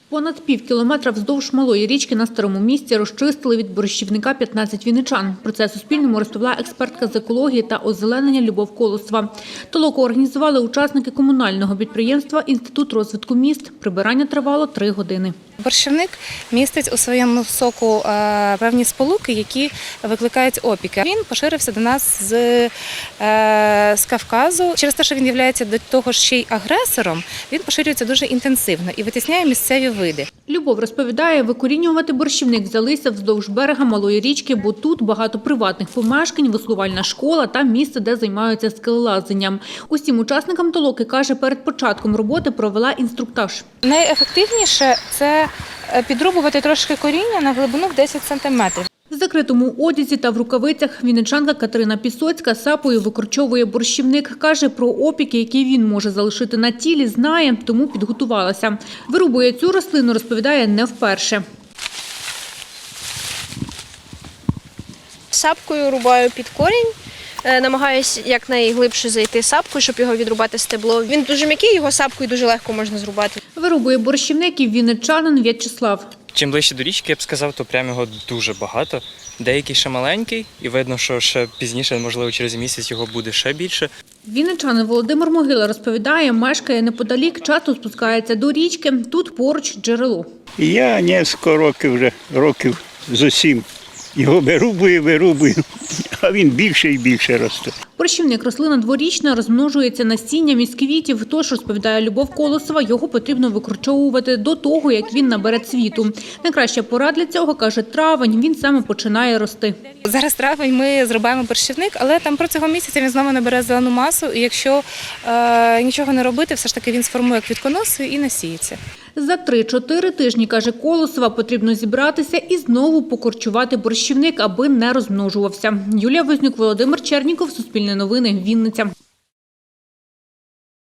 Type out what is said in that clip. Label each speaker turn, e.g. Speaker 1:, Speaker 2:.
Speaker 1: Понад півкілометра вздовж малої річки на Старому Місці розчистили від борщівника 15 вінничан. Про це Суспільному розповіла експертка з екології та озеленення Любов Колосова. Толоку організували учасники комунального підприємства «Інститут розвитку міст». Прибирання тривало 3 години.
Speaker 2: Борщівник містить у своєму соку певні сполуки, які викликають опіки. Він поширився до нас з Кавказу. Через те, що він є до того ще й агресором, він поширюється дуже інтенсивно і витісняє місцеві види.
Speaker 1: Любов розповідає, викорінювати борщівник взялися вздовж берега малої річки, бо тут багато приватних помешкань, веслувальна школа та місце, де займаються скелелазанням. Усім учасникам толоки, каже, перед початком роботи провела інструктаж.
Speaker 2: Найефективніше – це підрубувати трошки коріння на глибину в 10 сантиметрів.
Speaker 1: В закритому одязі та в рукавицях вінничанка Катерина Пісоцька сапою викорчовує борщівник. Каже, про опіки, які він може залишити на тілі, знає, тому підготувалася. Вирубує цю рослину, розповідає, не вперше.
Speaker 3: Сапкою рубаю під корінь, намагаюся якнайглибше зайти сапкою, щоб його відрубати стебло. Він дуже м'який, його сапкою дуже легко можна зрубати.
Speaker 1: Вирубує борщівник і вінничанин В'ячеслав.
Speaker 4: Чим ближче до річки, я б сказав, то прямо його дуже багато. Деякий ще маленький, і видно, що ще пізніше, можливо, через місяць його буде ще більше.
Speaker 1: Вінничанин Володимир Могила розповідає, мешкає неподалік, часто спускається до річки, тут поруч джерело.
Speaker 5: Я років зо 7 його вирубую, а він більше і більше росте.
Speaker 1: Борщівник – рослина дворічна, розмножується насінням із квітів, тож, розповідає Любов Колосова, його потрібно викорчовувати до того, як він набере цвіту. Найкраща пора для цього, каже, травень, він саме починає рости.
Speaker 2: Зараз травень ми зрубаємо борщівник, але там протягом місяця він знову набере зелену масу, і якщо нічого не робити, все ж таки він сформує квітконоси і насіється.
Speaker 1: За 3-4 тижні, каже Колосова, потрібно зібратися і знову покорчувати борщівник, аби не розмножувався. Юлія Вознюк, Володимир Черніков, Суспільне новини, Вінниця.